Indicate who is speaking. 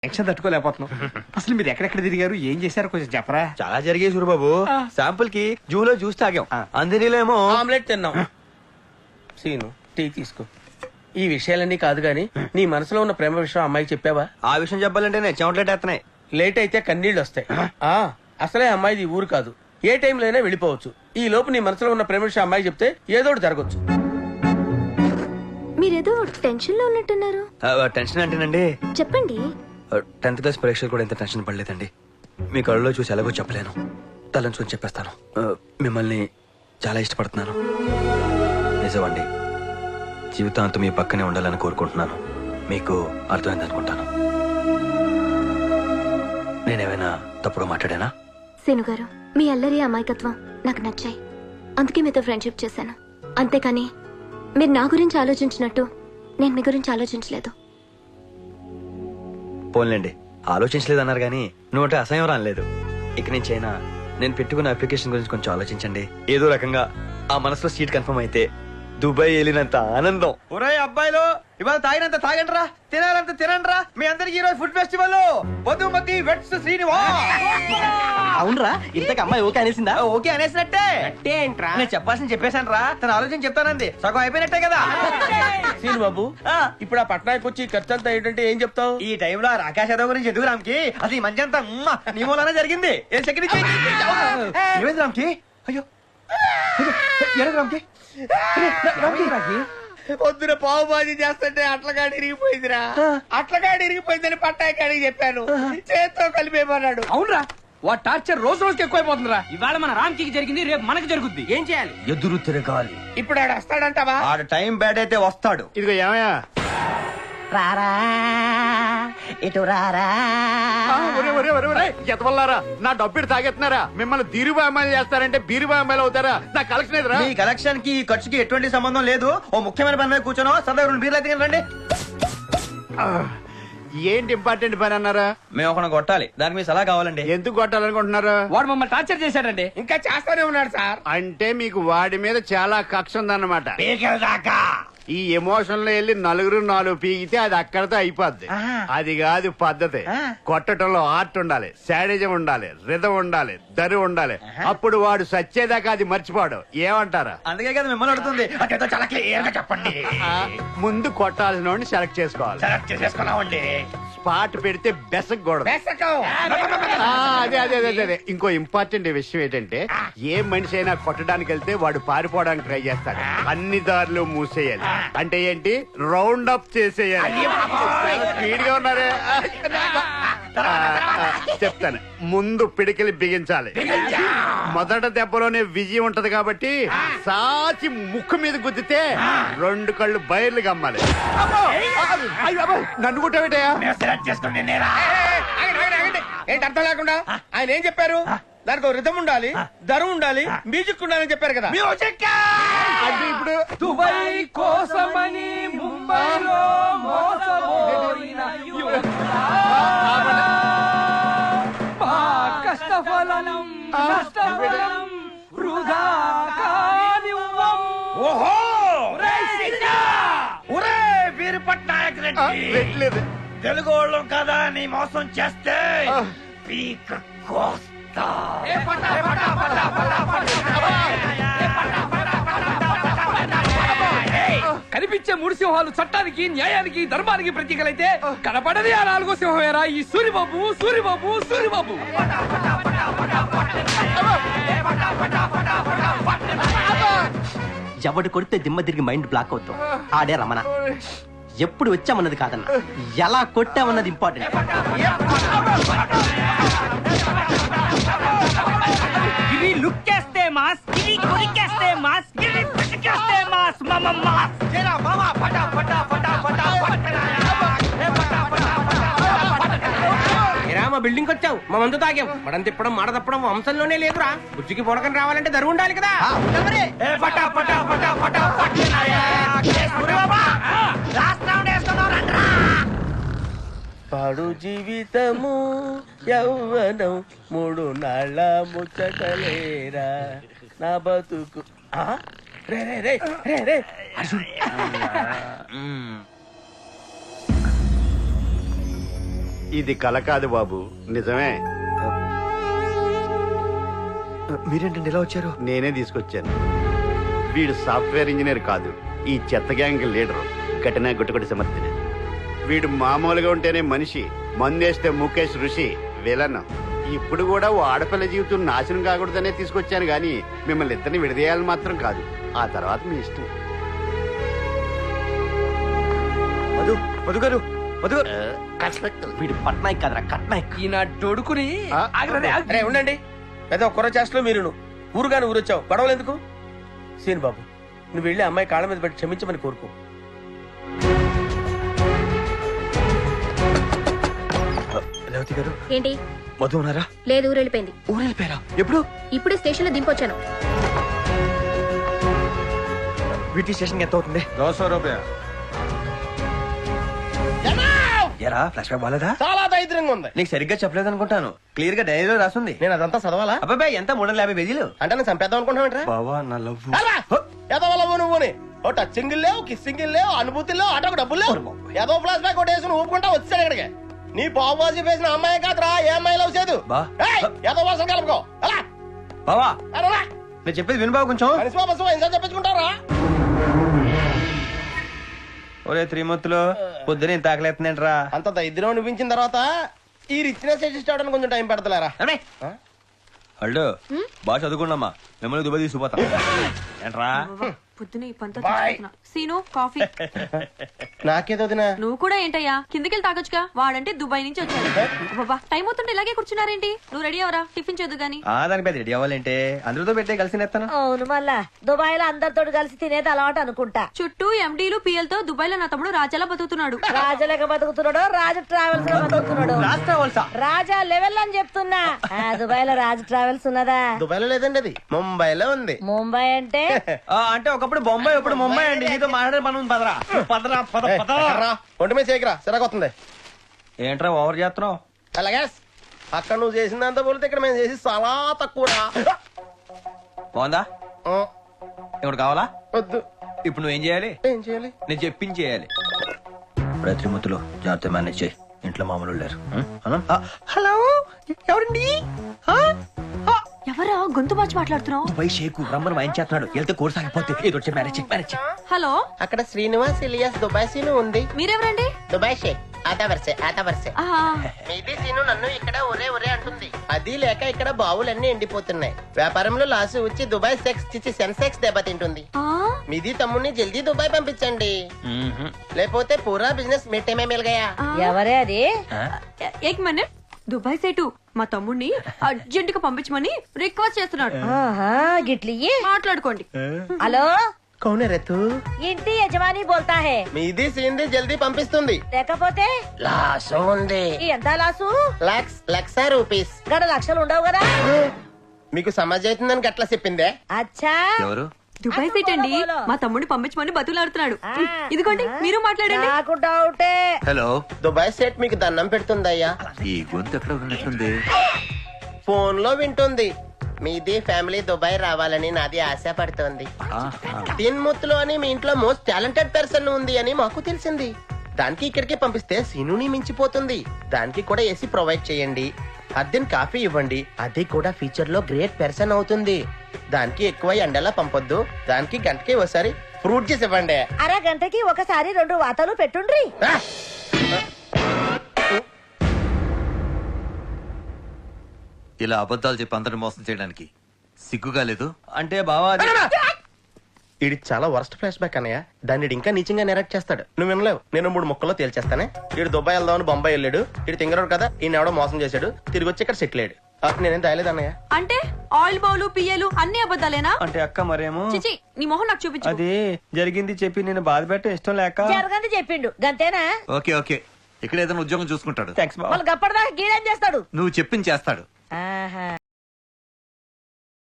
Speaker 1: Tension తట్టుకోలేకపోతున్నాం. అసలు మీరు ఎక్కడెక్కడ తిరిగారు, ఏం చేశారు, కొంచెం చెప్పరా?
Speaker 2: చాలా జరిగాయి సూరిబాబు. శాంపుల్ కి జూలో జ్యూస్ తాగాం, అందరిలో
Speaker 3: ఆమ్లెట్ తిన్నాం. సీను టీ తీసుకో. ఈ విషయాలన్నీ కాదు గాని నీ మనసులో ఉన్న ప్రేమ విషయం అమ్మాయికి చెప్పావా?
Speaker 2: ఆ విషయం చెప్పాలంటేనే చెమటలేటేస్తున్నాయి.
Speaker 3: లేట్ అయితే కన్నీళ్ళు వస్తాయి. అసలే అమ్మాయిది ఊరు కాదు, ఏ టైంలో అయినా వెళ్ళిపోవచ్చు. ఈ లోపు నీ మనసులో ఉన్న ప్రేమ విషయం అమ్మాయికి చెప్తే ఏదో ఒకటి జరగచ్చు.
Speaker 4: మీరేదో టెన్షన్ లో ఉన్నట్టున్నారు.
Speaker 2: టెన్షన్ అంటేనండి,
Speaker 4: చెప్పండి.
Speaker 2: 10th క్లాస్ పరీక్షలు కూడా ఎంత టెన్షన్ పడలేదండి. మీ కళ్ళలో చూసి ఎలాగో చెప్పలేను, తలంచుకొని చెప్పేస్తాను. మిమ్మల్ని చాలా ఇష్టపడుతున్నాను. నిజమండి, జీవితాంతం మీ పక్కనే ఉండాలని కోరుకుంటున్నాను. మీకు అర్థమైంది అనుకుంటాను. నేనేమైనా తప్పుగా మాట్లాడానా?
Speaker 4: సీను గారు, మీ అల్లరి అమాయకత్వం నాకు నచ్చాయి, అందుకే మీతో ఫ్రెండ్షిప్ చేశాను. అంతేకాని మీరు నా గురించి ఆలోచించినట్టు నేను మీ గురించి ఆలోచించలేదు.
Speaker 2: పోన్లేండి, ఆలోచించలేదన్నారు కానీ నువ్వంటే అసహ్యం రాలేదు. ఇక నుంచి అయినా నేను పెట్టుకున్న అప్లికేషన్ గురించి కొంచెం ఆలోచించండి. ఏదో రకంగా ఆ మనసులో సీట్ కన్ఫర్మ్ అయితే దుబాయ్ వెళ్ళినంత ఆనందం. ఒరే అబ్బాయిలు, ఇవాళ తాగినంత తాగండిరా, తినాలంత తినండిరా. మీ అందరికి ఈ రోజు food festival. Madhumathi weds Srinivas.
Speaker 1: అవునరా, ఇంతకు అమ్మాయి ఓకే అనేసిందా?
Speaker 2: ఓకే అనేసినట్టే.
Speaker 3: ఏంట్రా
Speaker 2: నేను చెప్పాల్సింది చెప్పేశాను రా, తన ఆలోచన చెప్తానంది. సగం అయిపోయినట్టే కదా.
Speaker 3: సీను బాబు, ఇప్పుడు ఆ పట్నానికి వచ్చి ఖర్చు అంతా ఏంటంటే ఏం చెప్తావు?
Speaker 2: ఈ టైంలో రాకేష్ యాదవ్ గురించి ఎందుకు రామ్కి? అసలు ఈ మంచి అంతా నీ మూలానే జరిగింది. ఏం సెకండ్ ఏమైంది రామ్కి? అయ్యో ఏమైంది రామ్కి?
Speaker 3: పొద్దున పావు బాజీ చేస్తుంటే అట్లగాడి ఇరిగిపోయిందిరా. అట్లగాడి ఇరిగిపోయిందని పట్టాయి కాడికి చెప్పాను, చేత్తో కలిపేమన్నాడు.
Speaker 1: అవునరా, వా టార్చర్ రోజు రోజుకి ఎక్కువైపోతుందిరా.
Speaker 5: ఇవాళ మన రామ్కి జరిగింది, రేపు మనకి జరుగుద్ది.
Speaker 3: ఏం చేయాలి?
Speaker 2: ఎదురు తిరగాలి.
Speaker 3: ఇప్పుడు ఆడు వస్తాడంటావా?
Speaker 2: ఆడ టైం బ్యాడ్ అయితే వస్తాడు.
Speaker 6: ఇదిగో ఏమయ్యా,
Speaker 7: రారా ఇటు రారా.
Speaker 6: ఎతవల్లారా, నా డబ్బులు తాగెత్తున్నారా? మిమ్మల్ని దీరుబా అమ్మాయిలు చేస్తారంటే బీరుబా అమ్మాయిలు అవుతారా? నా కలెక్షన్ ఎదురా.
Speaker 2: మీ కలెక్షన్ కి ఈ ఖర్చుకి ఎటువంటి సంబంధం లేదు. ఓ ముఖ్యమైన పని మీద కూర్చోను, సరదా 2 బీర్లు అయితే రండి.
Speaker 6: ఏంటి ఇంపార్టెంట్ పని అన్నారా?
Speaker 2: మేము ఒక కొట్టాలి, దానికి మీ సలహా కావాలండి.
Speaker 6: ఎందుకు కొట్టాలనుకుంటున్నారు?
Speaker 1: వాడు మమ్మల్ని టార్చర్ చేశాడండి.
Speaker 3: ఇంకా చేస్తానే ఉన్నాడు సార్.
Speaker 6: అంటే మీకు వాడి మీద చాలా కక్ష ఉందన్నమాట. ఈ ఎమోషన్ లో వెళ్ళి 4 పీకితే అది అక్కడతో అయిపోద్ది. అది కాదు పద్ధతి. కొట్టడంలో ఆర్ట్ ఉండాలి, శాడిజం ఉండాలి, రిధం ఉండాలి, దరి ఉండాలి. అప్పుడు వాడు సచ్చేదాకా అది మర్చిపోడు. ఏమంటారా?
Speaker 2: అందుకే కదా మిమ్మల్ని అడుగుతుంది.
Speaker 3: చాలా క్లియర్ గా చెప్పండి.
Speaker 6: ముందు కొట్టాల్సిన వాడిని సెలెక్ట్ చేసుకోవాలి.
Speaker 3: చేసేసుకున్నామండి.
Speaker 6: స్పాట్ పెడితే బెసకూడదు. అదే అదే అదే అదే. ఇంకో ఇంపార్టెంట్ విషయం ఏంటంటే, ఏ మనిషి అయినా కొట్టడానికి వెళ్తే వాడు పారిపోవడానికి ట్రై చేస్తాడు. అన్ని దారులు మూసేయాలి. అంటే ఏంటి? రౌండ్ అప్ చేసేయాలి. స్పీడ్ గా ఉన్నారే. చెప్తాను, ముందు పిడికిలి బిగించాలి. మొదట దెబ్బలోనే విజయం ఉంటది కాబట్టి సాచి ముక్కు మీద గుద్దితే 2 కళ్ళు బయర్లు గమ్మాలి. నన్ను కుట్టబెట్టయా?
Speaker 3: ఏంటి అర్థం లేకుండా? ఆయన ఏం చెప్పారు? దానికి ఒక రిథం ఉండాలి, దరం ఉండాలి, మ్యూజిక్ ఉండాలని చెప్పారు కదా.
Speaker 6: అంటే ఇప్పుడు
Speaker 5: దుబాయ్ కోసమని ముంబైలో మోసపోయిన మా కష్టఫలం నష్టఫలం వృధా కానివ్వం.
Speaker 3: ఓహో,
Speaker 2: ఒరే వీరు పట్నాయక్ రెడ్డి,
Speaker 6: పెట్టలేదు.
Speaker 2: తెలుగు వాళ్ళం కదా నీ మోసం చేస్తే పీక కోస్తా.
Speaker 5: కనిపించే 3 సింహాలు చట్టానికి, న్యాయానికి, ధర్మానికి ప్రతీకలైతే కనపడది ఆ 4వ సింహమేరా ఈ సూరిబాబు. సూరిబాబు సూరిబాబు
Speaker 7: ఎవడు కొడితే దిమ్మ తిరిగి మైండ్ బ్లాక్ అవుతాం. ఆడే రమణ. ఎప్పుడు వచ్చామన్నది కాదన్న, ఎలా కొట్టామన్నది ఇంపార్టెంట్.
Speaker 5: ఇవి లుక్ చేస్తే మాస్, ఇవి కొరికేస్తే మాస్, ఇవి పిసికేస్తే మాస్. మాస్
Speaker 3: మా బిల్డింగ్ వచ్చావు, మా మందు తాగాం. మడం తిప్పడం మాట తప్పడం వంశంలోనే లేదురా. బుజ్జికి పొడకని రావాలంటే దరువు ఉండాలి కదా. పాడు జీవితము యౌవనం 3 నాళ్ళ ముచ్చటలేరా నా బతుకు. రే రే రే రే రే
Speaker 6: ఇది కల కాదు బాబు, నిజమే.
Speaker 2: మీరేంటండి ఇలా వచ్చారు?
Speaker 6: నేనే తీసుకొచ్చాను. వీడు సాఫ్ట్వేర్ ఇంజనీర్ కాదు, ఈ చెత్త గ్యాంగ్ లీడరు, కఠిన గుట్టుకొట్టి సమర్థిన. వీడు మామూలుగా ఉంటేనే మనిషి, మందేస్తే ముఖేష్ ఋషి విలన్. ఇప్పుడు కూడా ఓ ఆడపిల్ల జీవితం నాశనం కాకూడదనే తీసుకొచ్చాను గాని మిమ్మల్ని ఇద్దరిని విడదీయాలని మాత్రం కాదు. ఆ తర్వాత మీ ఇష్టం.
Speaker 2: మధు మధు గారు, మధు గారు.
Speaker 7: వీడు పట్నాయక్ కదరా కట్నాయక్.
Speaker 5: ఈయన డొడుకుని ఆగ్రదే
Speaker 3: అరే ఉండండి, పెద్ద ఒక్కరో చేష్టలో మీరు ఊరుగాని ఊరొచ్చావు, గొడవలు ఎందుకు? సీన్ బాబు, నువ్వు వెళ్ళి అమ్మాయి కాళ్ళ మీద పెట్టి క్షమించమని కోరుకో.
Speaker 2: రేవతి గారు,
Speaker 4: ఏంటి?
Speaker 2: మధు ఉన్నారా?
Speaker 4: లేదు, ఊరు వెళ్ళిపోయింది.
Speaker 2: ఊరు వెళ్ళిపోయారా? ఎప్పుడు?
Speaker 4: ఇప్పుడే స్టేషన్ లో దింపొచ్చాను.
Speaker 2: వీటి స్టేషన్ ఎంత అవుతుంది?
Speaker 1: 200 రూపాయలు.
Speaker 2: ఎరా ఫ్లాష్ బ్యాక్ బాలేదా?
Speaker 3: చాలా దరిద్రంగా ఉంది.
Speaker 2: నీకు సరిగ్గా చెప్పలేదు అనుకుంటాను. క్లియర్ గా డైరీలో రాసుంది.
Speaker 3: నేను అదంతా చదవాలా?
Speaker 2: అబ్బాయి ఎంత 350 పేజీలు.
Speaker 3: అంటే నేను చంపేద్దాం అనుకుంటున్నావు?
Speaker 2: బావా నా లవ్.
Speaker 3: ఎదవలవు నువ్వుని ఓ టచ్చింగ్ లేవు, కిస్సింగ్ లేవు, అనుభూతి లేవు, ఆటోకు డబ్బులు లేవు. ఏదో ఫ్లాష్ బ్యాక్ ఒకటి వేసుకుని ఊపుకుంటా వచ్చాడు ఇక్కడికి. నీ బాబు వేసిన అమ్మాయి కాదురా, ఏ అమ్మాయి లవ్ చేయదు.
Speaker 2: బా.
Speaker 3: ఏదో వాసన కలుపుకో. అలా
Speaker 2: బావా నేను చెప్పేది విను బావ కొంచెం.
Speaker 3: చెప్పించుకుంటారా?
Speaker 2: ఒరే త్రిమూర్తులు, పొద్దున ఇంత ఆకలేస్తుందేంట్రా?
Speaker 3: అంత దరిద్రం అనిపించిన తర్వాత ఈ రిచ్నెస్ అడ్జస్ట్ అవడానికి కొంచెం టైం పెడతలేరా?
Speaker 2: హల్డో బాగా చదువుకున్నామా, మిమ్మల్ని దుబాయ్ తీసుకుపోతాం ఏంట్రా?
Speaker 8: పొద్దున ఈ పంతో చచ్చిపోతున్నా. Scene coffee.
Speaker 3: నాకేదో వదినా.
Speaker 8: నువ్వు కూడా ఏంటయ్యా, కిందకెళ్ళి తాగొచ్చుగా. వాడంటే దుబాయ్ నుంచి వచ్చాడు. బాబా టైం అవుతుంటే ఇలాగే కూర్చున్నారేంటి? నువ్వు రెడీ అవరా, టిఫిన్ చేద్దు గాని.
Speaker 2: దానికి పెద్ద రెడీ అవ్వాలంటే అందరితో పెట్టే కలిసి నేస్తాను.
Speaker 9: అవును, మళ్ళా దుబాయ్ లో అందరితో కలిసి తినేది అలవాటు అనుకుంటా.
Speaker 8: చుట్టూ ఎండీలు పిఎల్ తో దుబాయ్ లో నా తమ్ముడు రాజాలా బతుకుతున్నాడు.
Speaker 9: రాజాలేక బతుకుతున్నాడు, రాజు ట్రావెల్స్ లో బతుకుతున్నాడు. రాజా లెవెల్ అని చెప్తున్నా. దుబాయ్ లో రాజు ట్రావెల్స్ ఉన్నదా?
Speaker 3: దుబాయ్ లో లేదండి, అది ముంబైలో ఉంది.
Speaker 9: ముంబై అంటే
Speaker 2: అంటే ఒకప్పుడు బొంబాయి, ఇప్పుడు ముంబై అండి. నీతో మాట్లాడే పని పదరా పదరా పద పద.
Speaker 3: ఒంటి మీద చేయకరా, సిరగొస్తుంది.
Speaker 2: ఏంట్రా ఓవర్ చేస్తున్నావు?
Speaker 3: అలాగే అక్కడ నువ్వు చేసిందంతా పోలితే ఇక్కడ మేము చేసి చాలా తక్కువ.
Speaker 2: బాగుందా? ఇప్పుడు కావాలా?
Speaker 3: వద్దు.
Speaker 2: ఇప్పుడు నువ్వేం చేయాలి?
Speaker 3: ఏం చేయాలి?
Speaker 2: నేను చెప్పింది చేయాలి. త్రిమూర్తులు జాగ్రత్త మేనేజ్ చేయి, ఇంట్లో మామూలు లేరు.
Speaker 3: హలో, ఎవరండి?
Speaker 8: ఎవరా గొంతు మార్చి మాట్లాడుతున్నావు?
Speaker 2: దుబాయ్ షేకు రమ్మని వాయించేస్తున్నాడు. వెళ్తే కోర్సు ఆగిపోతే ఏదో వచ్చి మ్యారేజ్ మ్యారేజ్.
Speaker 8: హలో,
Speaker 3: అక్కడ శ్రీనివాస్ ఇలియాస్ దుబాయ్ సీను ఉంది.
Speaker 8: మీరెవరండి?
Speaker 3: దుబాయ్ షేక్ ఆతా వరసే.
Speaker 8: ఆహా,
Speaker 3: మీది సీను నన్ను ఇక్కడ ఒరే అంటుంది. అది లేక ఇక్కడ బావులన్నీ ఎండిపోతున్నాయి. వ్యాపారంలో లాసు వచ్చి దుబాయ్ సెన్సెక్స్ దెబ్బతింటుంది.
Speaker 8: ఆ,
Speaker 3: మీది తమ్ముడిని జల్దీ దుబాయ్ పంపించండి, లేకపోతే పూరా బిజినెస్ మిట్టమే మిల్గయా.
Speaker 9: ఎవరే అది?
Speaker 8: ఏక్ మినిట్. దుబాయ్ సేటు మా తమ్ముడిని అర్జెంట్ గా పంపించమని రిక్వెస్ట్ చేస్తున్నాడు.
Speaker 9: ఆహా, గిట్లియ్యి
Speaker 8: మాట్లాడుకోండి.
Speaker 9: హలో,
Speaker 3: కౌనే రేతు?
Speaker 9: ఇంటి యజమాని బోల్తా హే.
Speaker 3: మీది సీన్ది జల్దీ పంపిస్తుంది.
Speaker 9: లేకపోతే
Speaker 3: లాసు ఉంది.
Speaker 9: ఈ ఎంత లాసు?
Speaker 3: లక్ష రూపీస్.
Speaker 9: గడ లక్షలు ఉండవు కదా?
Speaker 3: మీకు సమాజ్ అవుతుందని గట్లా చెప్పిందే.
Speaker 9: అచ్చా,
Speaker 2: ఎవరు?
Speaker 8: దుబాయ్ సేట్ అండి మా తమ్ముడిని పంపించమని బతులాడుతున్నాడు. ఇదిగోండి మీరు మాట్లాడండి.
Speaker 9: నాకు డౌటే.
Speaker 2: హలో,
Speaker 3: దుబాయ్ సెట్ మీకు దండం పెడుతుందయ్యా.
Speaker 2: ఈ గొంతు ఎక్కడ ఉన్నట్లుంది?
Speaker 3: ఫోన్ లో వింటుంది. మీది ఫ్యామిలీ దుబాయ్ రావాలని నాది ఆశ పడుతోంది. తిన్ముత్తులో అని మీ ఇంట్లో మోస్ట్ టాలెంటెడ్ పర్సన్ ఉంది అని మాకు తెలిసింది. దానికి ఇక్కడికి పంపిస్తే సీనుని మించిపోతుంది. దానికి కూడా ఏసీ ప్రొవైడ్ చేయండి, అద్దెన్ కాఫీ ఇవ్వండి, అది కూడా ఫ్యూచర్ లో గ్రేట్ పర్సన్ అవుతుంది. దానికి ఎక్కువ ఎండలా పంపొద్దు. దానికి గంటకి ఒకసారి ఫ్రూట్ జ్యూస్ ఇవ్వండి.
Speaker 9: అరగంటకి ఒకసారి 2 వాతాలు పెట్టుండ్రి.
Speaker 10: ఇలా అబద్ధాలు చెప్పి అందరిని మోసం చేయడానికి సిగ్గుగా లేదు?
Speaker 2: అంటే బావా
Speaker 3: ఇది చాలా వర్స్ట్ ఫ్లాష్ బ్యాక్ అన్నయ్య. దాన్ని ఈడు ఇంకా నీచంగా నెరెక్ట్ చేస్తాడు. నువ్వు వినలేవు. నేను 3 ముక్కల్లో తేల్చేస్తానే. ఇడు దుబాయ్ వెళ్దామని బొంబాయి వెళ్ళాడు. ఇడు తింగరాడు కదా, ఈయన ఎవడో మోసం చేశాడు. తిరిగి వచ్చి ఇక్కడ సెటిల్ అయ్యాడు. నేనేం దాయలేదు అన్నయ్య.
Speaker 8: అంటే ఆయిల్ బౌలు పియ్యలు అన్ని అబద్ధాలేనా?
Speaker 2: అంటే అక్క మరేమో
Speaker 8: చిచి, నీ మొహం నాకు చూపించు.
Speaker 2: అది జరిగింది చెప్పి నేను బాధ పెట్ట ఇష్టం లేక.
Speaker 9: జరగంది చెప్పిండు గంతేనా?
Speaker 10: ఓకే ఓకే, ఇక్కడ ఏదైనా ఉద్యోగం చూసుకుంటాడు.
Speaker 2: థ్యాంక్స్ బావ.
Speaker 9: వాళ్ళు గప్పడదా గీడేం చేస్తాడు?
Speaker 10: నువ్వు చెప్పింది చేస్తాడు.
Speaker 9: ఆహా.